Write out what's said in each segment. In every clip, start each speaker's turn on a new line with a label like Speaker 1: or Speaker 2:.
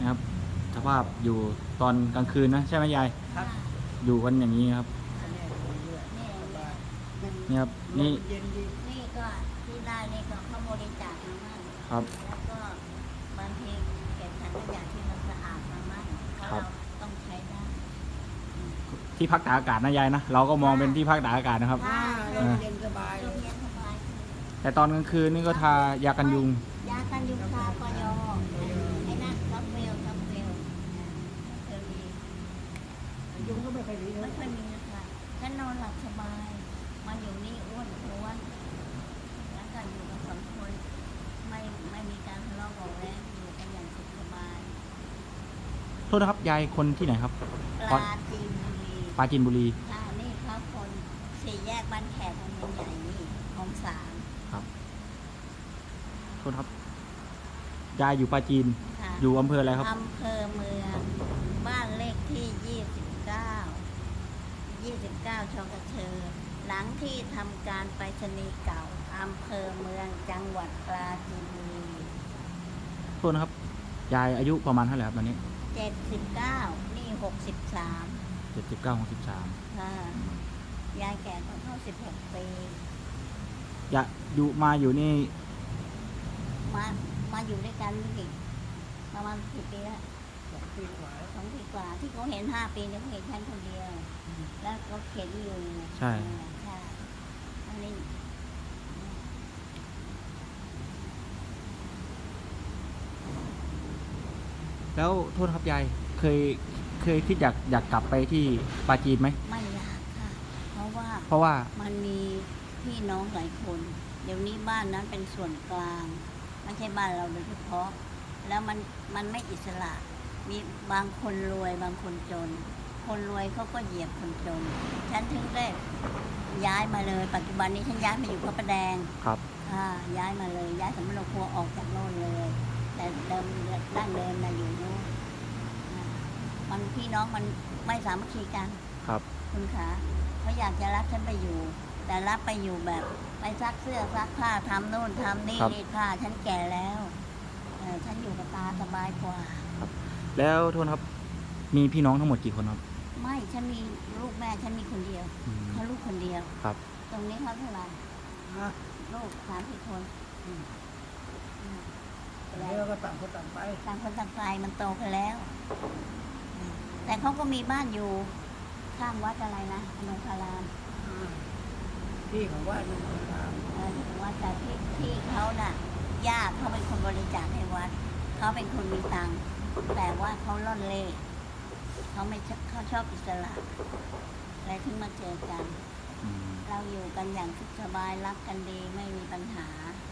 Speaker 1: นะครับสภาพอยู่ตอนกลางคืนนะใช่ไหมยาย
Speaker 2: ครับ
Speaker 1: อยู่กันอย่างนี้ครับ
Speaker 3: นี่
Speaker 1: นี่ครับนี่
Speaker 2: เย็นดี
Speaker 3: นี่ก็ที่ได้นี่ก็เขาบริจาคมามั่ง
Speaker 1: ครับ
Speaker 3: แล้วก็บางทีเก็บถังขยะที่มันสะอาดมามั่งเพราะ
Speaker 1: ครั
Speaker 3: เรา
Speaker 1: บ
Speaker 3: ต้องใช้ได้
Speaker 1: ที่พักตากอากาศนะยายนะเราก็มองเป็นที่พักตากอากาศนะครับ
Speaker 2: ลมเย็นสบาย
Speaker 3: ลมเย็นสบาย
Speaker 1: แต่ตอนกลางคืนนี่ก็ทายากันยุง
Speaker 3: ยากันยุงทากยไอ้นั่นท็อปเวลเออดี
Speaker 2: ยุงก็ไม่ค่อยดี
Speaker 3: ไม่ค่อยมีนะคะฉันนอนหลับสบายมาอยู่นี่อ้วนท้วนแล้วก็อยู่กันสองคนไม่มีการทะเลาะเบาะแว้งอยู่กันอย่างสุขสบาย
Speaker 1: โทษนะครับยายคนที่ไหนครับ
Speaker 3: ปลาจีนบุรี
Speaker 1: ปราจีนบุรี
Speaker 3: ค่ะนี่เขาคนสี่แยกบ้านแขกของเมืองใหญ่นี่ของสาม
Speaker 1: ครับโทษครับยายอยู่ปราจีน
Speaker 3: ค่ะ
Speaker 1: อยู่อำเภออะไรครับ
Speaker 3: อำเภอเมืองบ้านเลขที่29ชกเชอหลังที่ทำการไปรษณีย์เก่าอำเภอเมืองจังหวัดปราจีนบุรี
Speaker 1: โทษนะครับยายอายุประมาณเท่าไหร่ครับตอนนี้
Speaker 3: 79นี่63
Speaker 1: 79 63
Speaker 3: ค่ะยายแก่ก็เข้า16 ปี
Speaker 1: ยายอยู่มาอยู่นี่
Speaker 3: มาอยู่ด้วยกันนี่ประมาณกี่ปีแล้ว
Speaker 2: 2 ปีกว่า
Speaker 3: 2 ปีกว่าที่เขาเห็น5 ปีเนี่ยเขาเห็นฉันคนเดียว แล้วก็เข็นอยู่
Speaker 1: ใช่
Speaker 3: ใช่อันนี้
Speaker 1: แล้วโทษนะครับยายเคยคิดอยากกลับไปที่ปราจีนไหม
Speaker 3: ไม่อยากค่ะ เพราะว่า
Speaker 1: เพราะว่า
Speaker 3: มันมีพี่น้องหลายคน เดี๋ยวนี้บ้านนั้นเป็นส่วนกลาง ไม่ใช่บ้านเราโดยเฉพาะ แล้วมันไม่อิสระ มีบางคนรวยบางคนจน คนรวยเขาก็เหยียบคนจน ฉันถึงได้ย้ายมาเลย ปัจจุบันนี้ฉันย้ายมาอยู่พระประแดง
Speaker 1: ครับ
Speaker 3: ค่ะย้ายมาเลย ย้ายสำนักครัวออกจากโน่นเลย แต่เดิมดั้งเดิมนะอยู่โน่นมันพี่น้องมันไม่สามัคคีกัน
Speaker 1: ครับ
Speaker 3: คุณขาเขาอยากจะรับฉันไปอยู่ แต่รับไปอยู่แบบไปซักเสื้อซักผ้าทำโน่นทำนี่
Speaker 1: ครับ
Speaker 3: รีดผ้าฉันแก่แล้วฉันอยู่กับตาสบายกว่า
Speaker 1: แล้วโทษนะครับมีพี่น้องทั้งหมดกี่คนครับ
Speaker 3: ไม่ฉันมีลูกแม่ฉันมีคนเดียว
Speaker 1: อืม
Speaker 3: เขาลูกคนเดียว
Speaker 1: ครับ
Speaker 3: ตรงนี้เขาเท่าไหร่
Speaker 2: ฮะ
Speaker 3: ลูก30 คนอืม
Speaker 2: แล้วก็ต่างคนต่างไป
Speaker 3: ต่างคนต่างไปมันโตกันแล้วแต่เขาก็มีบ้านอยู่ข้างวัดอะไรนะอนงคาราม
Speaker 2: พี่ของว่านุ่งขาว
Speaker 3: วัดแต่ที่เขาน่ะญาติเขาเป็นคนบริจาคให้วัดเขาเป็นคนมีตังค์แต่ว่าเขาล่อนเล่เขาไม่ชอบเขาชอบอิสระอะไรถึงมาเจอกัน
Speaker 1: อืม
Speaker 3: เราอยู่กันอย่างสุขสบายรักกันดีไม่มีปัญหา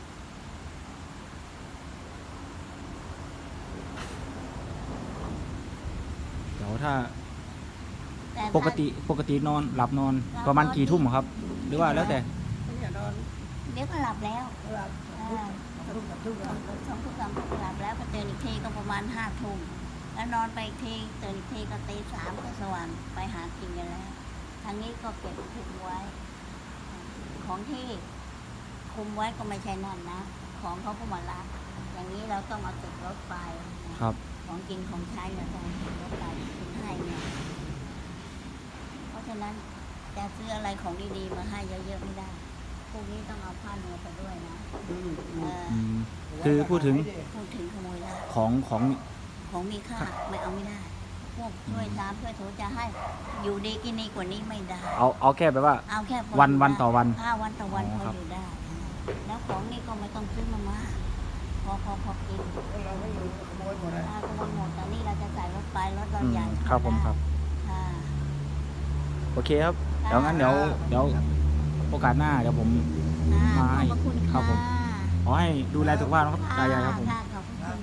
Speaker 1: เดี๋ยวถ้า
Speaker 3: แต่
Speaker 1: ปกตินอนหลับนอนประมาณกี่ทุ่มครับ หรือว่าแล้วแต่
Speaker 2: เนี่ยนอน
Speaker 3: เดี๋ยวก็หลับแล้ว
Speaker 2: หลับทุกทุก
Speaker 3: 2 ทุ่ม 3 ทุ่มหลับแล้วก็ตื่นอีกทีก็ประมาณ5 ทุ่มแล้วนอนไปอีกทีตื่นอีกทีก็ตี 3ก็สว่างไปหากินกันแล้วทางนี้ก็เก็บคุมไว้ ของที่คุมไว้ก็ไม่ใช่นั่นนะ ของเขาก็มารับอย่างนี้เราต้องเอาติดรถไป
Speaker 1: ครับ
Speaker 3: ของกินของใช้เราต้องติดรถไปคุณให้เนี่ยเพราะฉะนั้นจะซื้ออะไรของดีๆมาให้เยอะๆไม่ได้พวกนี้ต้องเอาผ้าเนื้อไปด้วยนะเออ
Speaker 1: อืมคือพูดถึง
Speaker 3: พูดถึงขโมยได้
Speaker 1: ของ
Speaker 3: ของมีค่าไม่เอาไม่ได้ พวกช่วยน้ำช่วยโถจะให้อยู่ดีกินดีกว่านี้ไม่ได้
Speaker 1: เอาแค่แบบว่า
Speaker 3: เอาแค่พอ
Speaker 1: วัน
Speaker 3: ยู่
Speaker 1: วัน
Speaker 3: ได้
Speaker 1: ต่อวัน
Speaker 3: วันต่อวัน
Speaker 1: อ๋อ
Speaker 3: พอ
Speaker 1: ครับ
Speaker 3: อยู่ได้ แล้วของนี่ก็ไม่ต้องซื้อมามากพอกิน
Speaker 2: เราไม่อยู่ขโมยหมดเลย
Speaker 3: ขโมยหมดแต่นี่เราจะใส่รถไปรถเราใหญ่
Speaker 1: ครับผมครับ
Speaker 3: ค่ะ
Speaker 1: โอเคครับเดี๋ยวงั้นเดี๋ยวโอกาสหน้าเดี๋ยวผม
Speaker 3: ค่ะ
Speaker 1: มาให้
Speaker 3: ขอบพระคุณ
Speaker 1: ครับผม
Speaker 3: ค่ะ
Speaker 1: ขอให้ดูแลสุขภาพนะครับตายายครับผม
Speaker 3: ค่ะ